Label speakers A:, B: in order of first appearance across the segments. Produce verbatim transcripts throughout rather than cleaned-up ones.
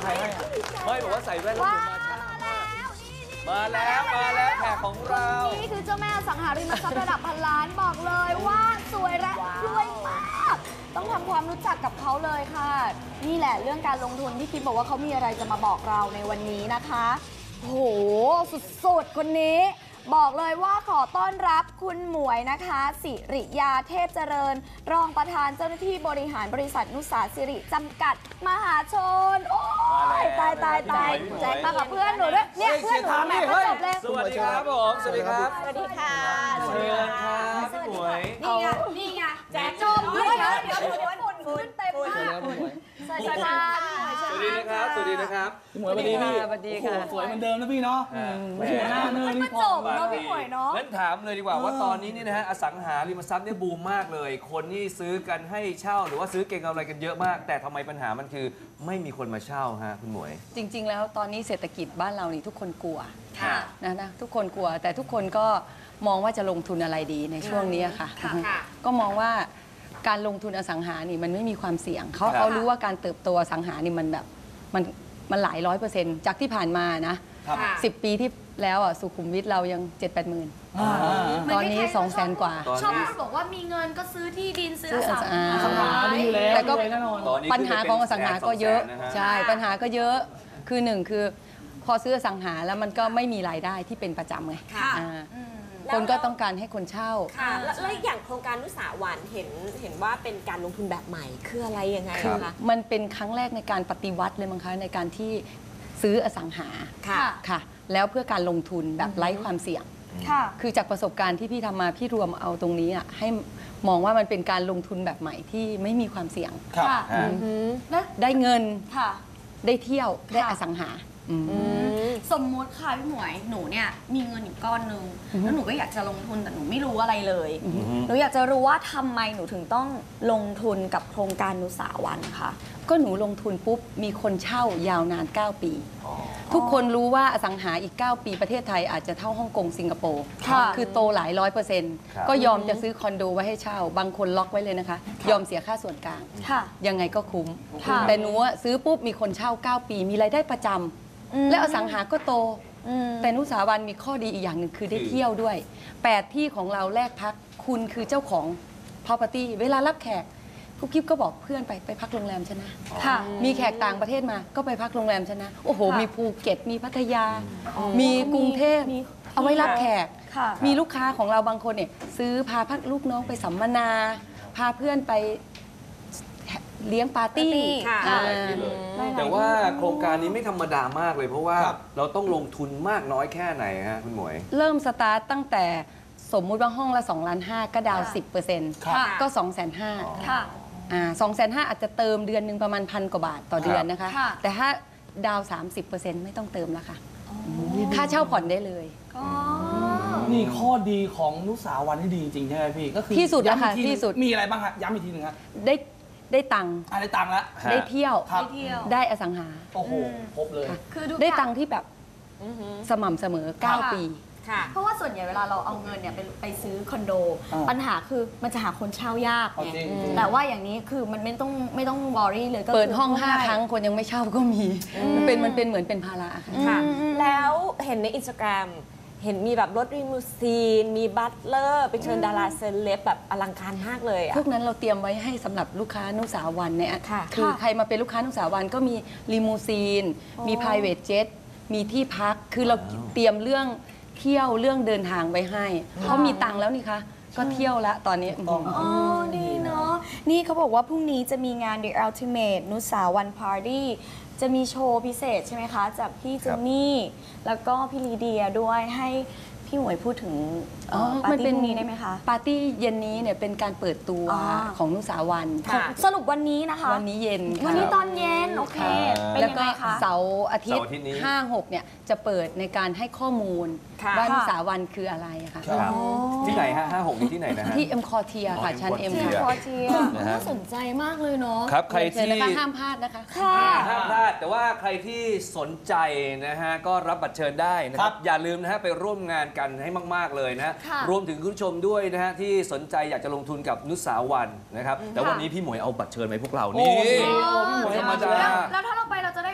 A: ใครให้ไม่บอกว่าใส่แว่นแล้วมาแล้วมาแล้วแขกของเรา
B: นี่คือเจ้าแม่สังหาริมทรัพย์ระดับพันล้านบอกเลยว่าสวยและรวยมากต้องทำความรู้จักกับเขาเลยค่ะนี่แหละเรื่องการลงทุนที่คิดบอกว่าเขามีอะไรจะมาบอกเราในวันนี้นะคะโหสุดๆคนนี้บอกเลยว่าขอต้อนรับคุณหมวยนะคะสิริยาเทพเจริญรองประธานเจ้าหน้าที่บริหารบริษัทนุสาสิริจำกัดมหาชนโอ้ยตายตายตายแจ็คมากับเพื่อนหนูด้วยเนี่ยเพื่อนหนูแม่ก็จบเลย
A: สวัสดีครับผมสวัสดีครับ
B: สวัสดีค่ะ
A: สวัสดีครับพี่หมวย
B: นี่ไงนี่ไงแจ็คจบเลยนะเดี๋ยวเดี๋ยวฝุ่นฝุ่นเต็มมากสวัสดีค่ะ
A: สวัสดีนะครับสวัสดีนะครับ
C: พี่หมวยสวัสดีพี่สวัสดีค่ะสวยเหมือนเดิมนะพี่เนาะไม่ใช่หน้าเนินนี่พอ
B: เนาะพี่หมวยเนาะ
A: งั้นถามเลยดีกว่าว่าตอนนี้นี่นะฮะอสังหาริมทรัพย์เนี่ยบูมมากเลยคนนี่ซื้อกันให้เช่าหรือว่าซื้อเก็งกำไรกันเยอะมากแต่ทำไมปัญหามันคือไม่มีคนมาเช่าฮะคุณหมวย
D: จริงๆแล้วตอนนี้เศรษฐกิจบ้านเรานี่ทุกคนกลัว
A: ค่ะ
D: นะนะทุกคนกลัวแต่ทุกคนก็มองว่าจะลงทุนอะไรดีในช่วงนี้ค่ะก็มองว่าการลงทุนอสังหานี่มันไม่มีความเสี่ยงเขาเขารู้ว่าการเติบโตอสังหานี่มันแบบมันมันหลายร้อยเปอร์เซ็นต์จากที่ผ่านมานะสิบปีที่แล้วอ่ะสุขุมวิทเรายังเจ็ดแปดหมื่นตอนนี้สองแสนกว่า
B: ชอบบอกว่ามีเงินก็ซื้อที่ดินซื้ออสังหา
D: แต่ก็ปัญหาของอสังหาก็เยอะใช่ปัญหาก็เยอะคือหนึ่งคือพอซื้ออสังหาแล้วมันก็ไม่มีรายได้ที่เป็นประจำไงคนก็ต้องการให้คนเช่า
E: ค่ะแล้วอย่างโครงการนุสาวันเห็นเห็นว่าเป็นการลงทุนแบบใหม่คืออะไรยังไงคะ
D: มันเป็นครั้งแรกในการปฏิวัติเลยมั้งคะในการที่ซื้ออสังหา
E: ค่ะ
D: ค่ะแล้วเพื่อการลงทุนแบบไร้ความเสี่ยงค่ะคือจากประสบการณ์ที่พี่ทำมาพี่รวมเอาตรงนี้อ่ะให้มองว่ามันเป็นการลงทุนแบบใหม่ที่ไม่มีความเสี่ยง
B: ค่ะ
D: ได้เงิน
B: ค่ะ
D: ได้เที่ยวได้อสังหา
B: สมมติค่ะพี่หมวยหนูเนี่ยมีเงินอยู่ก้อนนึงแล้วหนูก็อยากจะลงทุนแต่หนูไม่รู้อะไรเลยหนูอยากจะรู้ว่าทำไมหนูถึงต้องลงทุนกับโครงการนุสาวันค่ะ
D: ก็หนูลงทุนปุ๊บมีคนเช่ายาวนานเก้าปีทุกคนรู้ว่าอสังหาอีกเก้าปีประเทศไทยอาจจะเท่าฮ่องกงสิงคโปร์คือโตหลายร้อยเปอร์เซ็นต์ก็ยอมจะซื้อคอนโดไว้ให้เช่าบางคนล็อกไว้เลยนะคะยอมเสียค่าส่วนกลางยังไงก็คุ้มแต่หนูซื้อปุ๊บมีคนเช่าเก้าปีมีรายได้ประจำและอสังหาก็โตแต่นุสาวันมีข้อดีอีกอย่างหนึ่งคือได้เที่ยวด้วยแปดที่ของเราแลกพักคุณคือเจ้าของ property เวลารับแขกกุ๊กกิ๊บก็บอกเพื่อนไปไปพักโรงแรมชนะมีแขกต่างประเทศมาก็ไปพักโรงแรมชนะโอ้โหมีภูเก็ตมีพัทยามีกรุงเทพเอาไว้รับแขกมีลูกค้าของเราบางคนเนี่ยซื้อพาพักลูกน้องไปสัมมนาพาเพื่อนไปเลี้ยงปาร์ตี้
A: แต่ว่าโครงการนี้ไม่ธรรมดามากเลยเพราะว่าเราต้องลงทุนมากน้อยแค่ไหนฮะคุณหมวย
D: เริ่มสตาร์ตตั้งแต่สมมุติว่าห้องละสองล้านห้าก็ดาวสิบเปอร์เซ็นต์ก็สองแสนห้าสองแสนห้าอาจจะเติมเดือนหนึ่งประมาณพันกว่าบาทต่อเดือนนะคะแต่ถ้าดาวสามสิบเปอร์เซ็นต์ไม่ต้องเติมแล้วค่ะค่าเช่าผ่อนได้เลย
C: นี่ข้อดีของนุสาวันที่ดีจริงใช่ไหมพี่ก็คือ
D: ที่สุดแล้วค่ะที่สุด
C: มีอะไรบ้างฮะย้ำอีกทีหนึ่งครับ
D: ได้ได้ตังค์
C: ได้ตังค์แล้ว
D: ได้เที่ยวได้อสังหา
C: โอ้โหครบเลย
D: ได้ตังค์ที่แบบสม่ำเสมอเก้าปี
B: เพราะว่าส่วนใหญ่เวลาเราเอาเงินเนี่ยไปไปซื้อคอนโดปัญหาคือมันจะหาคนเช่ายากไงแต่ว่าอย่างนี้คือมันไม่ต้องไม่ต้องวอรี่เลยก็
D: เปิดห้องห้าครั้งคนยังไม่เช่าก็มีมันเป็นมันเป็นเหมือนเป็นภาระ
E: ค่ะแล้วเห็นในอินสตาแกรมเห็นมีแบบรถรีมูซีนมีบัตเลอร์ไปเชิญดาราเซเลบแบบอลังการมากเลยอะ
D: พวกนั้นเราเตรียมไว้ให้สำหรับลูกค้านุสาวันเนี่ยคือใครมาเป็นลูกค้านุสาวันก็มีรีมูซีนมี private jet มีที่พักคือเราเตรียมเรื่องเที่ยวเรื่องเดินทางไว้ให้เขามีตังค์แล้วนี่คะก็เที่ยวละตอนนี้
B: อ๋อดีเนาะนี่เขาบอกว่าพรุ่งนี้จะมีงาน The Ultimate นุสาวัน Party จะมีโชว์พิเศษใช่ไหมคะจากพี่เจนนี่แล้วก็พี่ลีเดียด้วยให้พี่หมวยพูดถึงปาร์ตี้นี้ได้ไหมคะ
D: ปาร์ตี้เย็นนี้เนี่ยเป็นการเปิดตัวของนุสาวัน
B: สรุปวันนี้นะคะ
D: วันนี้เย็น
B: วันนี้ตอนเย็นโอเค
D: แล้วก็เสาร์อาทิตย์ห้าหกเนี่ยจะเปิดในการให้ข้อมูลว่านุสาวันคืออะไรค่ะ
A: ที่ไหนฮะห้าหกนี่ที่ไหนนะฮะ
D: ที่เอ็มคอเทียค่ะชั้นเอ็ม
B: คอเทียน่าสนใจมากเลยเนาะ
A: ครับใครที่
D: ห้ามพลาดนะคะ
A: ห้ามพลาดแต่ว่าใครที่สนใจนะฮะก็รับบัตรเชิญได้นะครับอย่าลืมนะฮะไปร่วมงานกันให้มากๆเลยนะรวมถึงคุณผู้ชมด้วยนะฮะที่สนใจอยากจะลงทุนกับนุสาวันนะครับแต่วันนี้พี่หมวยเอาบัตรเชิญไปพวกเรานี่
B: ธรรมดาแล้วถ้าเราไปเราจะได้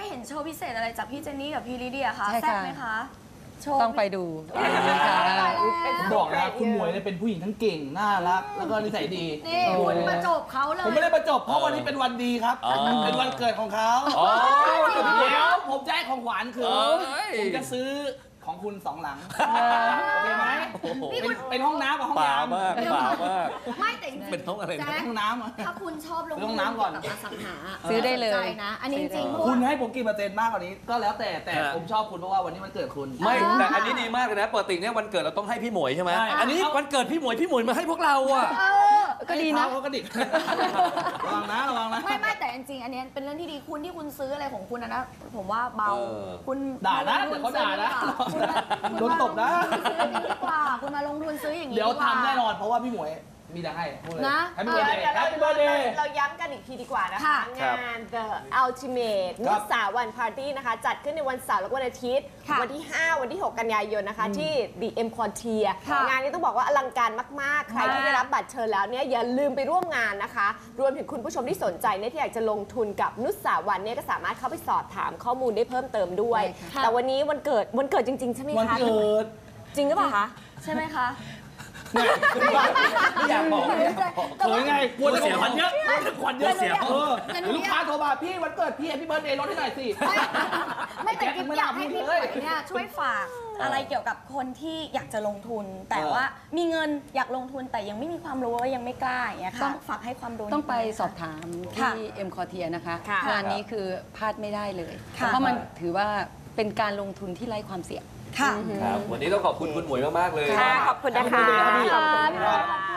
B: เห็นโชว์พิเศษอะไรจากพี่เจนนี่กับพี่ลิเดียคะ
D: ใช่ค่ะ
B: แซ่บไหมคะโชว์
D: ต้องไปดู
C: ผมบอกนะคุณหมวยเนี่ยเป็นผู้หญิงทั้งเก่งน่ารักแล้วก็นิสัยดี
B: นี่คุณมาจบเขาเลย
C: ผมไม่ได้ประจบเพราะวันนี้เป็นวันดีครับ
A: อ๋อ
C: เป็นวันเกิดของเขา
A: อ๋อ
C: เดี๋ยวผมจะให้ของขวัญคือ
A: เอ้ย
C: ผมจะซื้อของคุณสองหลังโอเคไหม
B: นี่
C: เป็
B: คุ
C: น
B: ณ
C: เป็นห้องน้ำกับห้อง
A: ป่า
C: น้ำ
A: มากป่ามาก
B: ไม่แต่จริงๆ
A: เป็นห้องอะไรนะ
B: แจ๊ค
C: ห้องน้ำอะ
B: ถ้าคุณชอบลง
C: ซื้อห้
B: ทุ
C: อน งน้ำก่อน
B: เกี่ยวกับอสังหา
D: ซื้อได้เลย
B: สนใจนะ อันนี้จริงๆเพราะ
C: คุณ
B: ว่า
C: ให้ผมกี่เปอร์เซ็นต์มากกว่านี้ก็แล้วแต่แต่
A: ฮะ
C: ผมชอบคุณเพราะว่าวันนี้มันเกิดคุณ
A: ไม่แต่อันนี้ดีมากเลยนะปกติเนี่ยวันเกิดเราต้องให้พี่หมวยใช่ไหม
C: ใช่
A: อันนี้วันเกิดพี่หมวยพี่หมวยมาให้พวกเราอ่ะ
B: เออ
D: ก็ดีนะ
C: ให้เท้าเขากระดิก ระวังนะระวังนะ
B: ไม่ไม่แต่จริงๆอันนี้เป็นเรื่องที่ดีคุณที่คุณซื้ออะไรของคุณนะนะผมว่าเบา
A: เออ
B: คุณ
C: ด่านะ
B: มลงทุ
C: เดี๋ยวเขาด่านะ
B: ซื้อดีกว่าคุณมา
C: โดนตบนะ
B: คุณมาลงทุนซื้ออย่างนี้ดีกว่าคุณมาลงทุนซื้ออย่างนี้
C: เดี๋ยว
B: กา
C: ทำแน่นอนเพราะว่าพี่หมวยมีแต่ให้พูดเลย
B: นะ
C: แฮปปี้เบิร์ดเดย์
E: เดี๋ยว
C: แฮ
E: เรา
C: ปปี้เบิร์ดเดย์
E: เราย้ำกันอีกทีดีกว่านะคะ
B: ค่ะ
A: ครับ
E: งาน The Ultimate
C: ครั
E: นุ
C: บ
E: สาวันพาร์ตี้นะคะ จัดขึ้นในวันเสาร์และวันอาทิตย์
B: ค่ะ
E: วันที่ ห้า วันที่ หก กันยายนนะคะ ที่ The M Quartier
B: ค่ะ
E: งานนี้ต้องบอกว่าอลังการมาก ๆ ใครที่ได้รับบัตรเชิญแล้วเนี่ยอย่าลืมไปร่วมงานนะคะ รวมถึงคุณผู้ชมที่สนใจเนี่ยที่อยากจะลงทุนกับนุสาวันเนี่ยก็สามารถเข้าไปสอบถามข้อมูลได้เพิ่มเติมด้วย
B: ค่ะ
E: แต่วันนี้วันเกิดวันเกิดจริง ๆ ใช่ไหม
C: วัน
E: คะ
C: เกิด
E: จริงหรือเปล่าคะ
B: ใช่ไหมคะ
C: เนี่ย
A: ไม่อยากบอกไม่อยากบอก
C: เขินไงกลัวจะของขวัญเยอะกลัวจะของขวัญเยอะ
A: เสีย
C: เออ
B: แต่หนู
C: เดี๋ยวลูกค้าโทรมาพี่วันเกิดพี่แฮปปี้เบิร์ดเดย์ลดให้หน่อยสิ
B: ไม่แต่กิ๊บอยากให้พี่หมวยเนี่ย
C: เออ
B: ช่วยฝากอะไรเกี่ยวกับคนที่อยากจะลงทุน แต่ว่ามีเงินอยากลงทุนแต่ยังไม่มีความรู้ว่ายังไม่กล้าอย่างเงี้ย
D: ต้
B: ค่ะ
D: อง
B: ฝากให้ความรู้
D: ต้องไป
B: นิดนึ
D: สอบถาม
B: ค่ะ
D: ที่เอ็มคอเทียนะคะ
E: ค่ะ
D: งานนี้คือพลาดไม่ได้เลย
B: ค่ะ
D: เพราะมันถือว่าเป็นการลงทุนที่ไร้ความเสี่ยง
B: ค่ะ
A: ครับวันนี้ต้องขอบคุณคุณหมวยมากๆเลย
E: ค่ะขอบคุณนะคะ
C: ขอบคุณครับ
B: ขอบคุณค่ะ